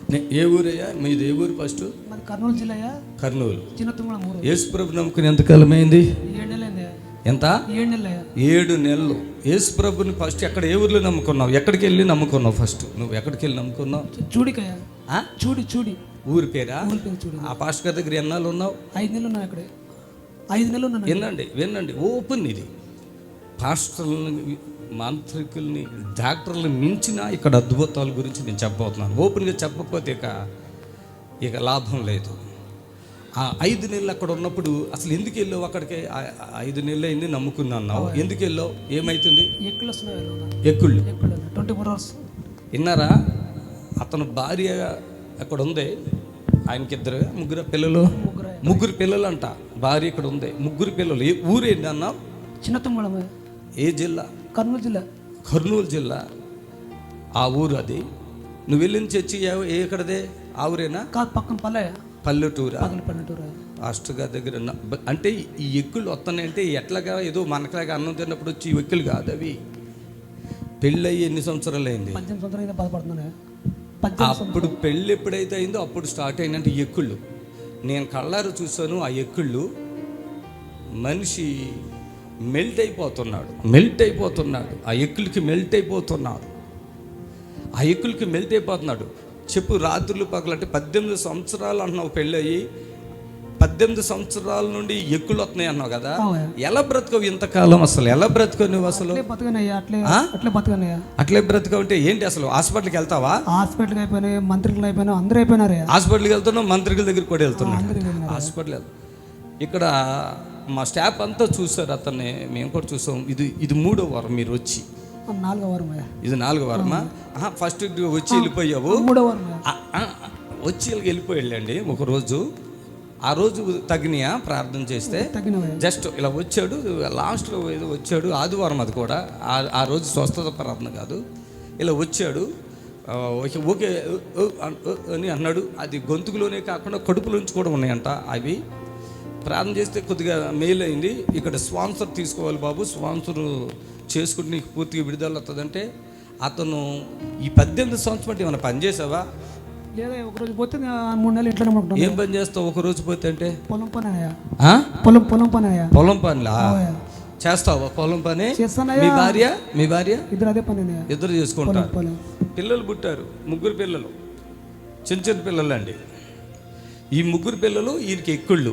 ఏ ఊరయ్యా మీది? ఏ ఊరు ఫస్ట్? మాది కర్నూలు జిల్లా. కర్నూలు చిన్న తుమ్మల ఊరు. యేసు ప్రభు నమ్ముకుని ఎంతకాలం అయింది? 7 నెలలైంది. ఎంత? 7 నెలలు. 7 నెలలు. యేసు ప్రభుని ఫస్ట్ ఎక్కడ, ఏ ఊర్లో నమ్ముకున్నావు? ఎక్కడికి వెళ్ళి నమ్ముకున్నావు ఫస్ట్? నువ్వు ఎక్కడికి వెళ్ళి నమ్ముకున్నావు? చూడికయ్య. చూడి ఊరి పేరా? ఊరి పేరు చూడి. ఆ పాస్టర్ గారి దగ్గర ఎన్నాళ్ళు ఉన్నావు? 5 నెలలు ఉన్నా అక్కడే. 5 నెలలు ఉన్నాను. వినండి ఓపెన్ ఇది. పాస్టర్లని, మాంత్రికుల్ని, డాక్టర్లు మించిన ఇక్కడ అద్భుతాల గురించి నేను చెప్పబోతున్నాను. ఓపెన్గా చెప్పకపోతే ఇక లాభం లేదు. ఆ 5 నెలలు అక్కడ ఉన్నప్పుడు అసలు ఎందుకు వెళ్ళావు అక్కడికి? 5 నెలలు అయింది నమ్ముకున్నావు, ఎందుకు వెళ్ళావు? ఏమవుతుంది? ఎక్కుళ్ళు వస్తున్నాయి. ఎక్కుళ్ళు 24 hours. విన్నారా? అతను భార్య అక్కడ ఉంది, ఆయనకి ముగ్గురు పిల్లలు. ముగ్గురు పిల్లలు అంట. భార్య ఇక్కడ ఉంది, ముగ్గురు పిల్లలు. ఏ ఊరేంటి అన్నావు? చిన్న తుమ్మల. ఏ జిల్లా? కర్నూలు జిల్లా. కర్నూలు జిల్లా. ఆ ఊరు అది. నువ్వు వెళ్ళిన చర్చి ఎక్కడదే? ఆ ఊరేనా? కాదు, పక్కన పల్లెటూరా? పల్లెటూరు. పాస్టర్ గారి దగ్గర అంటే ఈ ఎక్కులు వస్తున్నాయంటే ఎట్లాగా ఏదో మనకలాగా అన్నం తిన్నప్పుడు వచ్చి ఈ ఎక్కులు కాదు అవి. పెళ్ళి ఎన్ని సంవత్సరాలు అయింది? 18 సంవత్సరాలు బాధపడుతున్నాయి. అప్పుడు పెళ్ళి ఎప్పుడైతే అయిందో అప్పుడు స్టార్ట్ అయిందంటే ఈ ఎక్కుళ్ళు. నేను కళ్ళారు చూశాను. ఆ ఎక్కుళ్ళు మనిషి మెల్ట్ అయిపోతున్నాడు. ఆ ఎక్కులకి మెల్ట్ అయిపోతున్నాడు. చెప్పు, రాత్రులు పగలంటే 18 సంవత్సరాలు అంటున్నావు పెళ్ళయి. 18 సంవత్సరాల నుండి ఎక్కులు వస్తున్నాయి అన్నావు కదా. ఎలా బ్రతకవు ఇంతకాలం? అసలు ఎలా బ్రతకవు నువ్వు? అసలు అట్లే బ్రతకవు అంటే ఏంటి? అసలు హాస్పిటల్కి వెళ్తావా? హాస్పిటల్కి అయిపోయినాయి, మంత్రికులు అయిపోయినా, అందరూ అయిపోయినారు. హాస్పిటల్కి వెళ్తున్నావు, మంత్రికుల దగ్గరికి కూడా వెళ్తున్నావు. హాస్పిటల్ ఇక్కడ మా స్టాఫ్ అంతా చూసారు అతన్ని, మేము కూడా చూసాం. ఇది 3వ వారం మీరు వచ్చి. 4వ వారం. ఇది 4వ వారమా? ఫస్ట్ వచ్చి వెళ్ళిపోయావు. 3వ వారం వచ్చి వెళ్ళిపోయాళ్ళండి ఒకరోజు. ఆ రోజు తగినయా ప్రార్థన చేస్తే? జస్ట్ ఇలా వచ్చాడు, లాస్ట్లో ఏదో వచ్చాడు, ఆదివారం అది కూడా. ఆ రోజు స్వస్థత ప్రార్థన కాదు, ఇలా వచ్చాడు. ఓకే అని అన్నాడు. అది గొంతుకులోనే కాకుండా కడుపులోంచి కూడా ఉన్నాయంట అవి. ప్రార్థన చేస్తే కొద్దిగా మెయిల్ అయింది. ఇక్కడ స్పాన్సర్ తీసుకోవాలి బాబు, స్పాన్సర్ చేసుకుంటే నీకు పూర్తిగా విడుదల వస్తుందంటే, అతను ఈ 18 సంవత్సరం ఏమైనా పని చేసావా? లేదా ఒకరోజు పోతే 3 నెలలు ఇంట్లోనే ఉంటాను. ఏం పని చేస్తావు ఒకరోజు పోతే? అంటే పొలం పని. పొలం పనిలా చేస్తావా? పొలం పని. మీ భార్య ఇద్దరు అదే పని. ఇద్దరు చేసుకుంటారు. పిల్లలు పుట్టారు, 3 పిల్లలు, చిన్న పిల్లలు అండి. ఈ 3 పిల్లలు వీరికి ఎక్కుళ్ళు.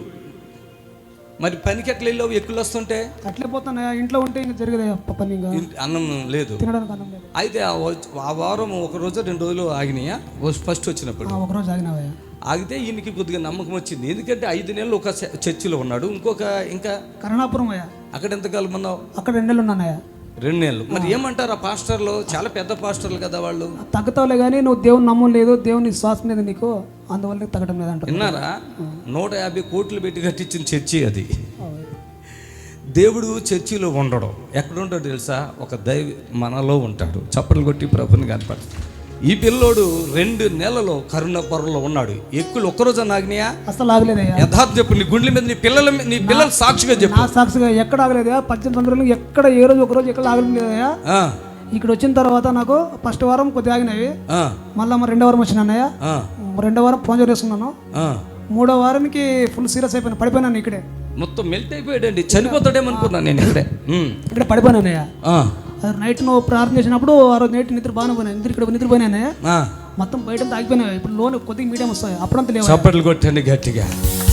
మరి పనికి ఎట్లా వెళ్ళావు? ఎక్కులు వస్తుంటే అట్లే పోతాను. ఇంట్లో ఉంటే ఇంకా జరిగేది పని, అన్నం లేదు, తినడానికి అన్నం లేదు. అయితే ఆ వారం 1 రోజు 2 రోజులు ఆగినాయా? ఫస్ట్ వచ్చినప్పుడు 1 రోజు ఆగినావా? ఆగితే ఈయనకి కొద్దిగా నమ్మకం వచ్చింది. ఎందుకంటే 5 నెలలు ఒక చర్చిలో ఉన్నాడు. ఇంకా కరుణాపురం అయ్యా. అక్కడ ఎంతకాలం ఉన్నావు? అక్కడ 2 నెలలు ఉన్నానయ్యా. 2 నెలలు. మరి ఏమంటారు ఆ పాస్టర్లు? చాలా పెద్ద పాస్టర్లు కదా వాళ్ళు. తగ్గుతావులే కానీ నువ్వు దేవుని నమ్మలేదు, దేవుని శ్వాస మీద నీకు, అందువల్ల తగ్గడం లేదంట. విన్నారా? 150 కోట్లు పెట్టి కట్టించిన చర్చి అది. దేవుడు చర్చిలో ఉండడం ఎక్కడ ఉంటాడు తెలుసా? ఒక దైవ మనలో ఉంటాడు. చప్పట్లు కొట్టి ప్రభుని కనపడు. ఈ పిల్లోడు 2 నెలలు కరుణాపురంలో ఉన్నాడు. ఎక్కులు ఒక్కరోజు ఆగినాయా? అసలు ఆగలేదయ్యా. యథార్థం చెప్పు. నీ గుండెల మీద నీ పిల్లలు సాక్షిగా చెప్పు. నా సాక్షిగా ఎక్కడ ఆగలేదయ్యా. 18 సంవత్సరాలు ఎక్కడ ఏ రోజు ఒకరోజు ఎక్కడ ఆగలేదయ్యా. ఇక్కడ వచ్చిన తర్వాత నాకు ఫస్ట్ వారం కొద్దిగా ఆగినవి, మళ్ళీ 2వ వారం వచ్చినానయ్యా. 2వ వారం ఫోన్ చేసుకున్నాను. 3వ వారానికి ఫుల్ సీరియస్ అయిపోయినా, పడిపోయినాను ఇక్కడే. మొత్తం మెల్ట్ అయిపోయాడండి, చనిపోతాడేమనుకున్నాను నేను. ఇక్కడ పడిపోయినానయ్యా. నైట్ నువ్వు ప్రార్థన చేసినప్పుడు ఆ రోజు నైట్ నిద్ర బాగానే పోయినా, ఇక్కడ నిద్రపోయినానే. మొత్తం బయట ఆగిపోయినాయి. ఇప్పుడు లోన్ కొద్దిగా మీడియం వస్తాయి, అప్పుడంతా లేవు. చప్పట్లు కొట్టండి గట్టిగా.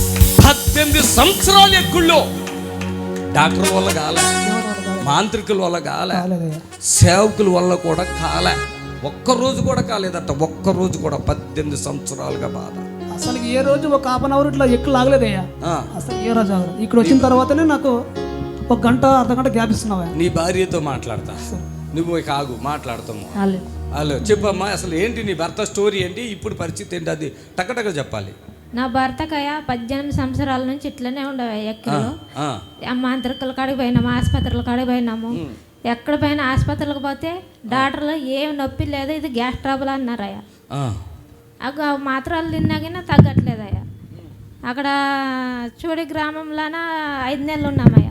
18 సంవత్సరాలు ఎక్కుల్లో డాక్టర్ వల్ల కాలే, మాంత్రికుల వల్ల కాలే, సేవకుల వల్ల కూడా కాలే. ఒక్కరోజు కూడా కాలేదట. ఒక్కరోజు కూడా 18 సంవత్సరాలుగా బాధ. అసలు ఏ రోజు ఒక 1/2 అవర్ ఇట్లా ఎక్కువ ఆగలేదయ్యా. అసలు ఏ రోజు ఆగలేదు. ఇక్కడ వచ్చిన తర్వాతనే నాకు 1 గంట అర్ధ గంట గ్యాప్ ఇస్తున్నావా? నీ భార్యతో మాట్లాడతా, నువ్వు కాగు మాట్లాడతాము. హలో చెప్పమ్మా, అసలు ఏంటి నీ భర్త స్టోరీ ఏంటి? ఇప్పుడు పరిస్థితి ఏంటి? అది టకటక చెప్పాలి. నా భర్తకయ్య 18 సంవత్సరాల నుంచి ఇట్లనే ఉండవు. ఎక్కడ మాంత్రికుల కాడికి పోయినాము, ఆసుపత్రుల కాడికి పోయినాము. ఎక్కడ పోయినా ఆసుపత్రులకు పోతే డాక్టర్లు ఏం నొప్పి లేదు, ఇది గ్యాస్ ట్రబుల్ అన్నారయ్యా. మాత్రలు తిన్నాగినా తగ్గట్లేదయ్యా. అక్కడ చూడి గ్రామంలోన 5 నెలలు ఉన్నామయ్యా.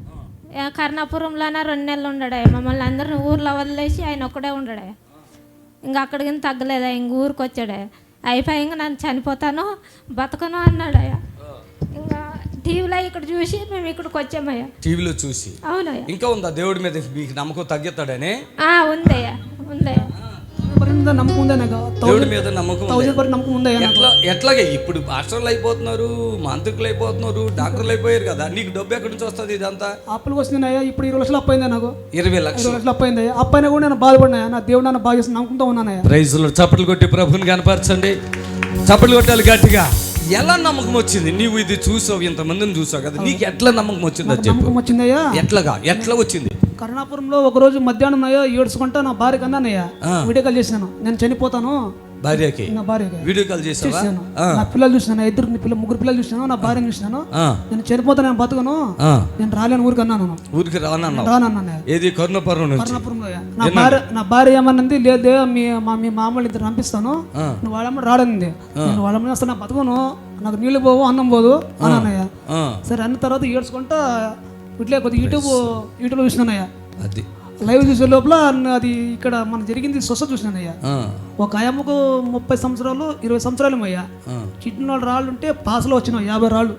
కర్ణాపురంలోన 2 నెలలు ఉండడయ్యా. మమ్మల్ని అందరిని ఊర్లో వదిలేసి ఆయన ఒక్కడే ఉండడయ్యా. ఇంకా అక్కడికి తగ్గలేదా, ఇంక ఊరికి వచ్చాడే. అయిపోయి ఇంకా నన్ను చనిపోతాను బతకను అన్నాడయ్యా. ఇంకా టీవీలో ఇక్కడ చూసి మేము ఇక్కడికి వచ్చామయ్యా. టీవీలో చూసి. అవునయ్యా. ఇంకా ఉందా దేవుడి మీద మీకు నమ్మకం తగ్గుతాడనే? ఉందయ్యా, ఉందయ్యా. నమ్మకం ఉందా నాకు? దేవుడి మీద నమ్మకం నమ్మకం ఉందా? ఎట్లాగే ఇప్పుడు మాస్టర్లు అయిపోతున్నారు, మాంత్రికులు అయిపోతున్నారు, డాక్టర్లు అయిపోయారు కదా, నీకు డబ్బు ఎక్కడి నుంచి వస్తుంది? ఇదంతా అప్పులకు వస్తున్నాయా. ఇప్పుడు 20 లక్షలు అప్పైందా నాకు? 20 లక్షలు అప్పైందా? అప్పైనా కూడా నేను బాధపడినాయా. నా దేవుడు నన్ను బాగా చేసి నమ్ముకుంటూ ఉన్నానయ్యా. ప్రైజ్లో చప్పట్లు కొట్టి ప్రభుని కనపరచండి. చప్పట్లు కొట్టాలి గట్టిగా. ఎలా నమ్మకం వచ్చింది? నీవు ఇది చూసావు, ఇంతమందిని చూసావు కదా, నీకు ఎట్లా నమ్మకం వచ్చిందో చెప్పు. నమ్మకం వచ్చిందయ్యా. ఎట్లా వచ్చింది? కరుణాపురంలో ఒక రోజు మధ్యాహ్నం అయ్యా ఏడ్చుకుంటా నా భార్య కన్నానయ్యా వీడియో కాల్ చేసినాను. నేను చనిపోతాను భార్యకి. నా భార్యకి వీడియో కాల్ చేశాను. నా పిల్లలు చూసినాను, ముగ్గురు పిల్లలు చూసినాను, నా భార్యను చూసినాను. నేను చనిపోతాను, నేను బతుకను, నేను రాలేను ఊరికి అన్నాను. ఊరికి రానన్నా. ఏది? కరుణాపురంలో. నా భార్య ఏమన్నది, లేదే మీ మామూలు ఇద్దరు పంపిస్తాను, నువ్వు వాళ్ళమ్మ రాడనింది. నేను వాళ్ళమ్మ అసలు నా బతుకును, నాకు నీళ్ళు పోవు అన్నం పోదు అని అన్నయ్య. సరే అన్న తర్వాత ఏడ్చుకుంటా ఇట్లే కొద్దిగా యూట్యూబ్లో చూసినానయ్యా. అది లైవ్ చూసే లోపల అది ఇక్కడ మన జరిగింది స్వస్థ చూసినానయ్యా. ఒక ఆయమ్మకు 30 సంవత్సరాలు 20 సంవత్సరాలు అయ్యా. కిడ్నీ రాళ్ళు ఉంటే పాసలో వచ్చిన 50 రాళ్ళు.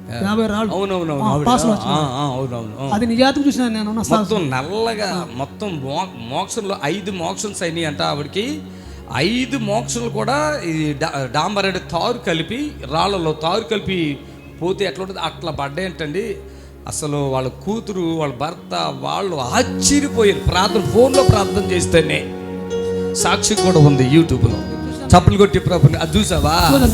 పాసలో వచ్చిన అది నిజాతికి చూసినా నేను. మొత్తం నల్లగా మొత్తం మోక్షంలో 5 మోక్షన్స్ అయినాయి అంట ఆవిడకి. 5 మోక్షలు కూడా ఈ డాంబరెడ్ తారు కలిపి, రాళ్ళలో తారు కలిపి పోతే ఎట్లా ఉంటుంది అట్లా పడ్డాయంటండి. అసలు వాళ్ళ కూతురు, వాళ్ళ భర్త, వాళ్ళు ఆశ్చర్యపోయారు. ఫోన్లో ప్రార్థన చేస్తేనే. సాక్షి కూడా ఉంది యూట్యూబ్లో. చప్పులు కొట్టి ప్రభుని అది చూసావా?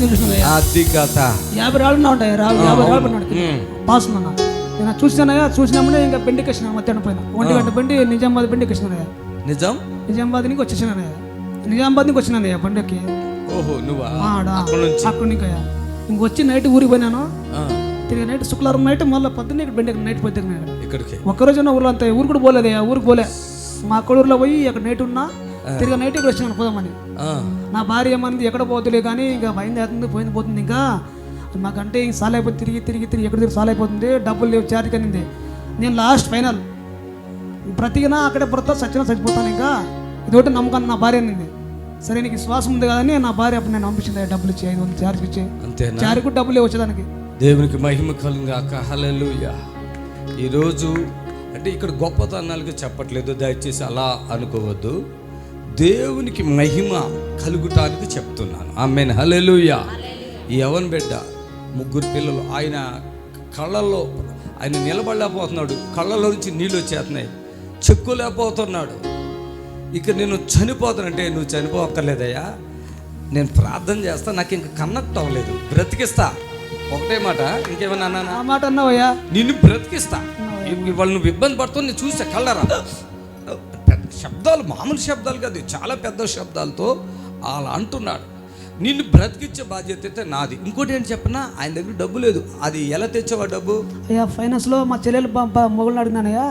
అది కథ. 50 రాళ్ళు ఉంటాయి. 50 రాళ్ళు పాస్ ఉన్నా నేను చూసినానయ్యా. చూసినామనే ఇంకా బెండికి వచ్చినా మధ్యాహ్నం పైన 1 గంట బండి నిజామాబాద్ బెండికి వచ్చినానయ్యా. నిజామాబాద్ నుంచి వచ్చేసినానయ్యా. నిజామాబాద్ నుంచి వచ్చినానయ్యా బండికి. ఓహో, నువ్వా? అక్కడి నుంచి ఇంకొచ్చి నైట్ ఊరికి పోయినాను. తిరిగి నైట్ శుక్రవారం నైట్ మళ్ళీ పొద్దున్న ఇక్కడ బెండి నైట్ పోతే ఇక్కడికి ఒక్కరోజు ఊర్లో అంతా ఊరు కూడా పోలేదయ్యా. ఊరికి పోలే, మా కొడూరులో పోయి అక్కడ నైట్ ఉన్నా. తిరిగి నైట్ ఇక్కడ వచ్చినాను పోదామని. నా భార్య ఏమన్నది, ఎక్కడ పోతులే కానీ ఇంకా భయం అవుతుంది, పోతుంది ఇంకా మాకంటే ఇంక సాల్ అయిపోతుంది, తిరిగి తిరిగి తిరిగి ఎక్కడ తిరిగి సాల్ అయిపోతుంది, డబ్బులు లేవు చార్జ్ అనింది. నేను లాస్ట్ ఫైనల్ బ్రతికినా అక్కడే పడతా, చచ్చినా చచ్చిపోతాను, ఇంకా ఇదొకటి నమ్మకాన్ని నా భార్య అనింది. సరే నీకు శ్వాసం ఉంది కదని నా భార్య అప్పుడు నేను పంపించింది, డబ్బులు ఇచ్చి 500 చార్జ్ ఇచ్చి. చార్జ్ కూడా డబ్బులు వచ్చేదానికి. దేవునికి మహిమ కలుగాక. హల్లెలూయా. ఈరోజు అంటే ఇక్కడ గొప్పతనాలుగా చెప్పట్లేదు, దయచేసి అలా అనుకోవద్దు. దేవునికి మహిమ కలుగుటానికి చెప్తున్నాను. ఆమేన్. హల్లెలూయా. ఈ యవన బిడ్డ 3 పిల్లలు, ఆయన కళ్ళల్లో ఆయన నిలబడలేకపోతున్నాడు, కళ్ళలో నుంచి నీళ్ళు వచ్చేస్తున్నాయి, చెక్కులేకపోతున్నాడు. ఇక నేను చనిపోతానంటే, నువ్వు చనిపోక్కర్లేదయ్యా, నేను ప్రార్థన చేస్తా, నాకు ఇంక కనెక్ట్ అవ్వలేదు, బ్రతికిస్తా. ఒకటే మాట, ఇంకేమన్నా అన్నా? మాట అన్నావయ్యా, నిన్ను బ్రతికిస్తా. వాళ్ళు నువ్వు ఇబ్బంది పడుతుంది, నేను చూసా కళ్ళరా. పెద్ద శబ్దాలు, మామూలు శబ్దాలు కాదు, చాలా పెద్ద శబ్దాలతో అలా అంటున్నాడు. నిన్ను బ్రతికిచ్చే బాధ్యత అయితే నాది. ఇంకోటి ఏంటి చెప్పనా, ఆయన దగ్గర డబ్బు లేదు. అది ఎలా తెచ్చావా డబ్బు? అయ్యా ఫైనాన్స్ లో మా చెల్లెలు మొగలు అడిగినానయ్యా.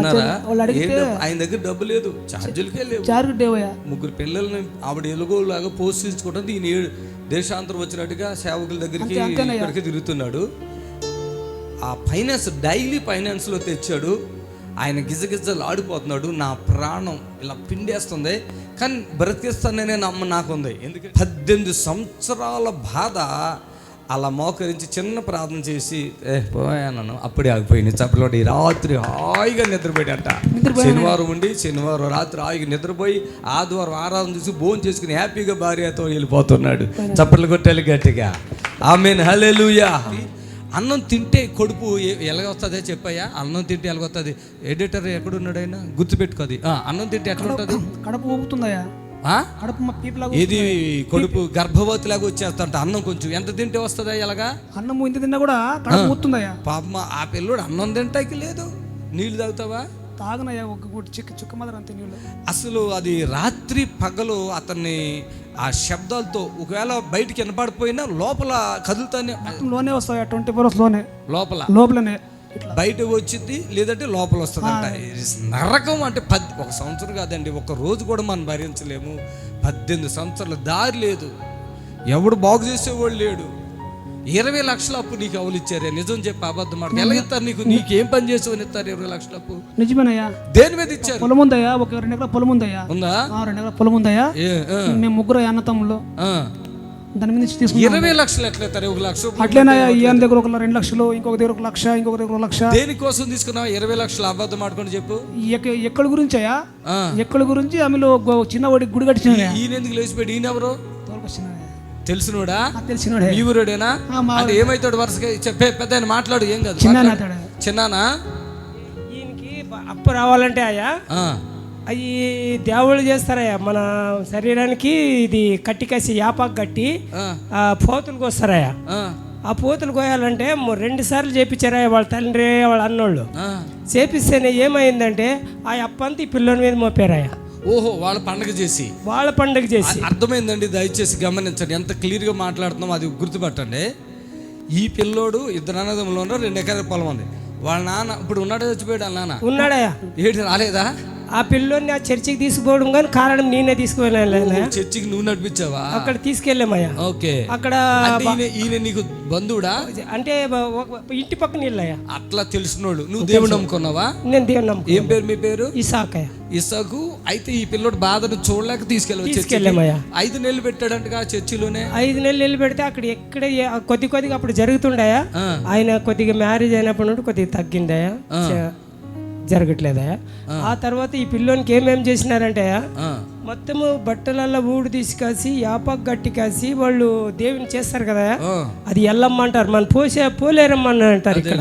ఆయన దగ్గర డబ్బు లేదు, ఛార్జీలకే లేవు. 3 పిల్లల్ని ఆవిడ ఎలుగోలాగా పోషించుకోవడానికి ఈయన దేశాంతరం వచ్చినట్టుగా సేవకుల దగ్గరికి ఇక్కడికి తిరుగుతున్నాడు. ఆ ఫైనాన్స్ డైలీ ఫైనాన్స్లో తెచ్చాడు. ఆయన గిజగిజలు ఆడిపోతున్నాడు. నా ప్రాణం ఇలా పిండేస్తుంది, కానీ బ్రతికిస్తాననే నమ్మ నాకుంది. ఎందుకంటే 18 సంవత్సరాల బాధ. అలా మోకరించి చిన్న ప్రార్థన చేసి పోయాను, అప్పుడే ఆగిపోయింది. చప్పలోటి రాత్రి హాయిగా నిద్రపోయాడంట. శనివారం ఉండి శనివారం రాత్రి హాయిగా నిద్రపోయి ఆదివారం ఆరాధన చూసి భోజనం చేసుకుని హ్యాపీగా భార్యతో వెళ్ళిపోతున్నాడు. చప్పట్లు కొట్టాలి గట్టిగా. ఆమేన్. హల్లెలూయా. అన్నం తింటే కడుపు ఎలాగొస్తుంది చెప్పాయా? అన్నం తింటే ఎలాగొస్తుంది? ఎడిటర్ ఎక్కడున్నాడు ఆయన గుర్తుపెట్టుకోది. అన్నం తింటే ఎట్లా ఉంటుంది? కడుపు ఊపుతుందయ్యా. ఇది కడుపు గర్భవతిలాగా వచ్చేస్తా. అన్నం కొంచెం ఎంత తింటే వస్తుందా? ఎలాగా అన్నం ఇంత తిన్నా కూడా కడుపు ఊపుతుందయ్యా. పాప ఆ పిల్లోడు అన్నం తింటాకి లేదు. నీళ్ళు తాగుతావా? తాగనయ్యా, ఒక చుక్క మాత్రం అంతే నీళ్ళు. అసలు అది రాత్రి పగలు అతన్ని ఆ శబ్దాలతో ఒకవేళ బయటికి వినపడిపోయినా లోపల కదులుతానే లోనే వస్తాయి. 24 hours లోనే లోపలనే బయట వచ్చింది, లేదంటే లోపల వస్తుంది అంట. నరకం అంటే 1 సంవత్సరం కాదండి, 1 రోజు కూడా మనం భరించలేము. 18 సంవత్సరాల దారి లేదు, ఎవడు బాగు చేసేవాడు లేడు. 20 లక్షల అప్పు నీకు ఎవరు ఇచ్చారే? నిజం చెప్పి అబద్ధం మాట ఎలా ఇస్తారు నీకు? నీకేం పని చేసావు ఇస్తారు 20 లక్షల అప్పు? నిజమేనయ్యా. దేని మీద ఇచ్చారు? పొలం ఉందయ్యా, ఒక 2 ఎకరాల పొలం ఉందయ్యా. ఉందా? 2 ఎకరాల పొలం ఉందయ్యా. మేము 3 అన్నతమ్ములు. దాని మీద నుంచి తీసుకున్నాం. 20 లక్షలు ఎట్లా ఇస్తారు? 1 లక్ష అట్లేనయ్యా. ఈయన దగ్గర 2 లక్షలు, ఇంకొక దగ్గర 1 లక్ష, ఇంకొక దగ్గర 1 లక్ష. దేనికోసం తీసుకున్నావు 20 లక్షలు? అబద్ధం మాట్లాడుకొని చెప్పు. ఎక్కడ గురించి అయ్యా? ఎక్కడ గురించి ఆమెలో చిన్న గుడి కట్టిన. ఈయన ఎందుకు లేచిపోయాడు? ఈయన ఎవరు? తెలిసినోడా? తెలిసినోడే. ఈ ఊరేడేనా? అంటే ఏమైతాడు వరుసగా? చెప్పే పెద్ద మాట్లాడు. ఏం కాదు. చిన్నానా? ఈయనకి అప్పు రావాలంటే అయ్యా అవి దేవుళ్ళు చేస్తారయ్యా. మన శరీరానికి ఇది కట్టి కసి యాపాకు కట్టి పోతులు కోస్తారయ్యా. ఆ పోతులు కోయాలంటే 2 సార్లు చేపించారయ్యా వాళ్ళ తండ్రి వాళ్ళ అన్నోళ్ళు. చేపిస్తేనే ఏమైందంటే ఆ అప్పంతా ఈ పిల్లోని మీద మోపారయ్యా. ఓహో, వాళ్ళ పండగ చేసి అర్థమైందండి. దయచేసి గమనించండి, ఎంత క్లియర్గా మాట్లాడుతున్నాం అది గుర్తుపట్టండి. ఈ పిల్లోడు 2 అన్నదమ్ములు 2 ఎకరాల పొలం ఉంది. వాళ్ళ నాన్న ఇప్పుడు ఉన్నాడా? చచ్చిపోయాడు. వాళ్ళ నాన్న ఉన్నాడయ్యా. ఏంటి రాలేదా? ఆ పిల్లోని ఆ చర్చికి తీసుకుపోవడం కానీ కారణం నేనే తీసుకువెళ్ళాను. చర్చికి నువ్వు నడిపించావా? అక్కడ తీసుకెళ్ళామయ్యా. ఓకే. అక్కడ ఈయన నీకు బంధువుడా? అంటే ఇంటి పక్కన ఇల్లయ్యా. అట్లా తెలిసినోడు. నువ్వు దేవుడు నమ్ముకున్నావా? నేను దేవుడు నమ్ముకున్నా. ఏం పేరు మీ పేరు? ఇసాకయ్య. ఇసాకు. అయితే ఈ పిల్లోడు బాధను చూడలేక తీసుకెళ్ళామయ్యా. 5 నెలలు పెట్టాడంటగా చర్చిలోనే. 5 నెలలు పెడితే అక్కడ ఎక్కడ కొద్దిగా అప్పుడు జరుగుతుండయా. ఆయన కొద్దిగా మ్యారేజ్ అయినప్పటి నుండి కొద్దిగా తగ్గిందయా, జరగట్లేదయా. ఆ తర్వాత ఈ పిల్లోనికి ఏమేమి చేసినారంటే మొత్తము బట్టలల్లో ఊడు తీసుకాసి యాపాకు గట్టి కాసి వాళ్ళు దేవుని చేస్తారు కదా, అది ఎల్లమ్మ అంటారు. మన పోలేరమ్మ అంటారు ఇక్కడ.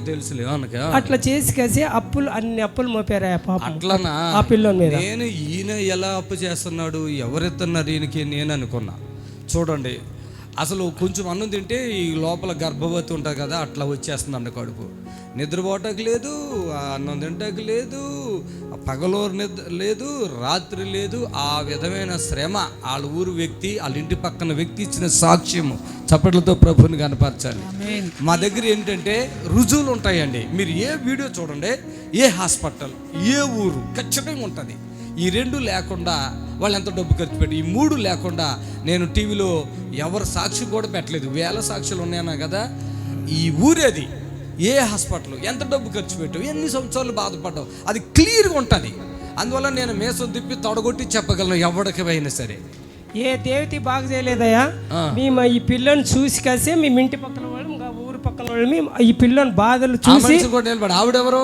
అట్లా చేసి కాసి అన్ని అప్పులు మోపారా పాప. అట్లనా? ఆ పిల్లోని మీద. నేను ఈయన ఎలా అప్పు చేస్తున్నాడు, ఎవరెత్తన్నారు ఈయనకి నేను అనుకున్నా. చూడండి, అసలు కొంచెం అన్నం తింటే ఈ లోపల గర్భవతి ఉంటుంది కదా, అట్లా వచ్చేస్తుందండి కడుపు. నిద్రపోవటానికి లేదు, అన్నం తింటానికి లేదు, పగలోరు నిద్ర లేదు, రాత్రి లేదు. ఆ విధమైన శ్రమ వాళ్ళ ఊరు వ్యక్తి, వాళ్ళ ఇంటి పక్కన వ్యక్తి ఇచ్చిన సాక్ష్యము. చప్పట్లతో ప్రభుని కనపరచాలి. మా దగ్గర ఏంటంటే రుజువులు ఉంటాయండి. మీరు ఏ వీడియో చూడండి, ఏ హాస్పిటల్, ఏ ఊరు ఖచ్చితంగా ఉంటుంది. ఈ 2 లేకుండా వాళ్ళు ఎంత డబ్బు ఖర్చు పెట్టి, ఈ 3 లేకుండా నేను టీవీలో ఎవరు సాక్షి కూడా పెట్టలేదు. 1000 సాక్షులు ఉన్నాయన్నా కదా. ఈ ఊరేది, ఏ హాస్పిటల్, ఎంత డబ్బు ఖర్చు పెట్టావు, ఎన్ని సంవత్సరాలు బాధపడ్డావు, అది క్లియర్గా ఉంటుంది. అందువల్ల నేను మేసం తిప్పి తొడగొట్టి చెప్పగలను ఎవరికి అయినా సరే. ఏ దేవతి బాగా చేయలేదయ్యా. మేము ఈ పిల్లని చూసి కాసే మేము ఇంటి పక్కన వాళ్ళు, ఊరు పక్కన వాళ్ళు, మేము ఈ పిల్లని బాధలు చూసి నిలబడి. ఆవిడెవరు?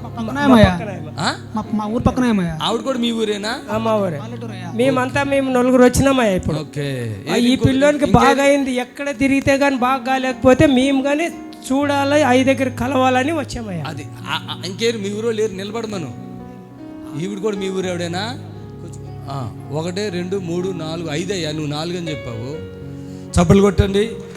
మా ఊరు పక్కన. ఆవిడ కూడా మీ ఊరేనా? మా ఊరే. మేమంతా 9 వచ్చినామయ్యా ఇప్పుడు. ఈ పిల్లోనికి బాగా అయింది. ఎక్కడ తిరిగితే కానీ బాగా కాలేకపోతే మేము కానీ చూడాలి, దగ్గర కలవాలని వచ్చామయ్యా. అది ఇంకేరు మీ ఊరో లేరు నిలబడమను. ఈవిడ కూడా మీ ఊరు ఎవడేనా? 1 2 3 4 5 అయ్యా. నువ్వు 4 అని చెప్పావు. చప్పలు కొట్టండి.